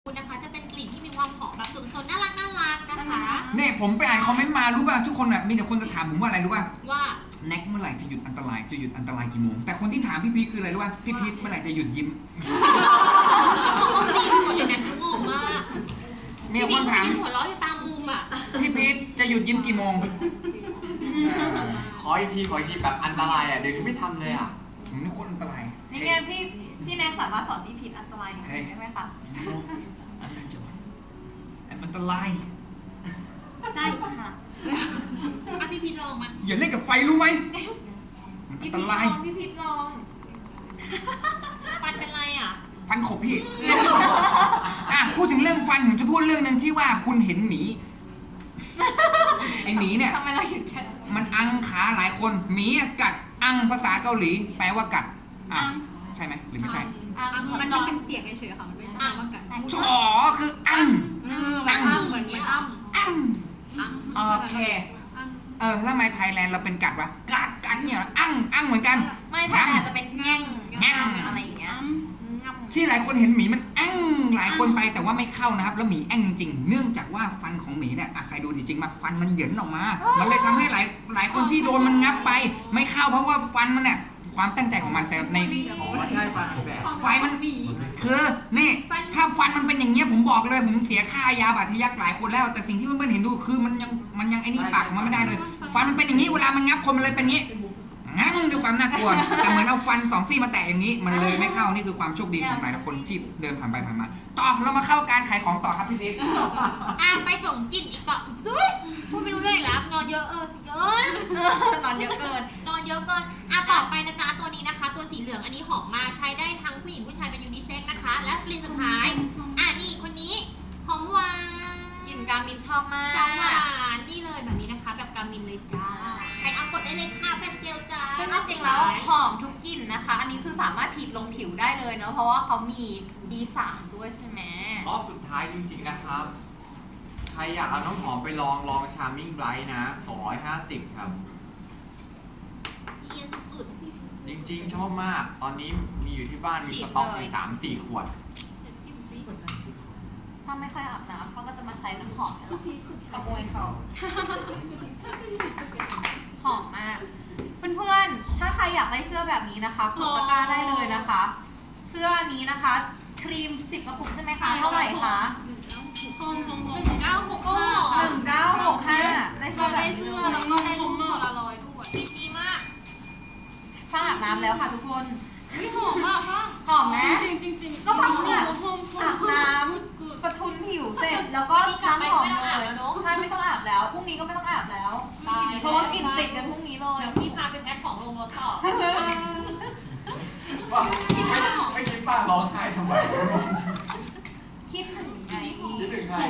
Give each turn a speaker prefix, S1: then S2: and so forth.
S1: นะคะจะเป็นกลิ่นที่มีความหอมแบบสุดๆน่ารักนะคะ
S2: เนี่ยผมไปอ่านคอมเมนต์มารู้ป่ะทุกคนอ่ะมีแต่คนจะถามผมว่าอะไรรู้ป่ะ
S1: ว่า
S2: แน็กเมื่อไหร่จะหยุดอันตรายกี่โมงแต่คนที่ถามพี่พีทคืออะไรรู้ป่ะพี่พีทเมื่อไหร่จะหยุดยิ้ม
S1: เขาก็ซีหมดเลยนะฉันงงมาก
S2: มีคนถาม
S1: หัวเราะอยู่ตามมุมอ่ะ
S2: พี่พีทจะหยุดยิ้มกี่โมง
S3: ขออีกทีแบบอันตรายอ่ะเดี๋ยวนี้ไม่ทำเลยอ่ะ
S2: ผมนี่โคตรอันตราย
S4: นี่ไงพี่แน็กสามารถสอนพี่พีทอันตรายได้ไหมคะ
S2: อันตราย
S4: ได้ค่ะ
S1: พี่พีทลองมา
S2: อย่าเล่นกับไฟรู้ไหมอันตราย
S4: พี่พีทลอง
S1: ฟันเป็นไรอ่ะ
S2: ฟันขบพี่พูดถึงเรื่องฟันผมจะพูดเรื่องนึงที่ว่าคุณเห็นหมีไอหมีเนี่ย
S4: ทำไมเราหยุดแค่
S2: มันอังขาหลายคนหมีกัดอังภาษาเกาหลีแปลว่ากัดใช่ไหมหรือไม่ใช่
S4: มันเป็นเสียงเฉยๆค่ะมันไม่ใช่ว่ากัด
S2: ฉอคืออัง
S4: เหมือน
S2: อังโอเคแล้วทำไมไทยแลนด์เราเป็นกัดวะกัดเนี่ยอังเหมือนกัน
S4: ไม่ไทยแลนด์จะเป็นแง่งอะไรอย่างเงี้ย
S2: ที่หลายคนเห็นหมีมันแอ้งหลายคนไปแต่ว่าไม่เข้านะครับแล้วหมีแอ้งจริงๆเนื่องจากว่าฟันของหมีเนี่ยใครดูจริงๆมาฟันมันเหยินออกมามันเลยทำให้หลายคนที่โดนมันงับไปไม่เข้าเพราะว่าฟันมันเนี่ยความตั้งใจของมันแต่ในไฟมันคือนี่ถ้าฟันมันเป็นอย่างเงี้ยผมบอกเลยผมเสียค่ายาบาดทะยักหลายคนแล้วแต่สิ่งที่เพื่อนๆเห็นดูคือมันยังไอ้นี่ปากของมันไม่ได้เลยฟันมันเป็นอย่างนี้เวลามันงับคนมันเลยเป็นอย่างนี้งั้นด้วยความน่ากลัวแต่เหมือนเอาฟัน2 ซี่มาแตะอย่างนี้มันเลยไม่เข้านี่คือความโชคดีของหลายคนที่เดินผ่านไปผ่านมาต่อเรามาเข้าการขายของต่อครับพี่บิ๊ก
S1: ไปส่งกินอีกต่อพูดไม่รู้เรื่องอีกแล้วนอนเยอะเยอะ
S4: นอนเยอะเกิน
S1: ต่อไปนะจ๊ะตัวนี้นะคะตัวสีเหลืองอันนี้หอมมากใช้ได้ทั้งผู้หญิงผู้ชายเป็นยูนิเซ็กนะคะและกลิ่นสุดท้ายนี่คนนี้หอมหวาน
S4: กลิ่นกามินชอบมาก
S1: หวานนี่เลยแบบนี้นะคะแบบกามินเลยจ้าใครเอากดได้เลยค่ะแฟชเซลจ้า
S4: ซึ่งจริงแล้วหอมทุกกลิ่นนะคะอันนี้คือสามารถฉีดลงผิวได้เลยเนาะเพราะว่าเขามี D3 ด้วยใช่ไหม
S3: รอบสุดท้ายจริงๆนะครับใครอยากเอาน้ำหอมไปลองชาร์มมิ่งไบรท์นะ250ครับ
S1: เชียร์สุด
S3: จริงๆชอบมากตอนนี้มีอยู่ที่บ้านมีสต็อกอยู่3-4 ขวด
S4: ถ้าไม่ค่อยอาบน้ำเขาก็จะมาใช้น้ำหอมขโมยเขาหอมมากเพื่อนๆถ้าใครอยากได้เสื้อแบบนี้นะคะกดตะกร้าได้เลยนะคะเสื้อนี้นะคะครีม10 กระปุกใช่ไหมคะเท่าไหร่คะ
S1: 1965
S4: ได้เสื้อแบบนี้
S1: แล้วก็ได้รูปพลารอยด์ด้วยดีมาก
S4: ถ้าอาบน้ำแล้วค่ะทุกคน
S1: หอมมาก
S4: หอมไหมจริงก็แบบอาบน้ำประทุนผิวเสร็จแล้วก็ล้างหอมเลยใช่ไม่ต้องอาบแล้วพรุ่งนี้ก็ไม่ต้องอาบแล้วเพราะว่ากลิ่นติดกันพรุ่งนี้เลย
S1: เดี๋ยวพี่พาไปแพ็คของลงรถต่อ
S3: ไม่คิดป้าร้องไห้ทำไม
S4: คิดถึง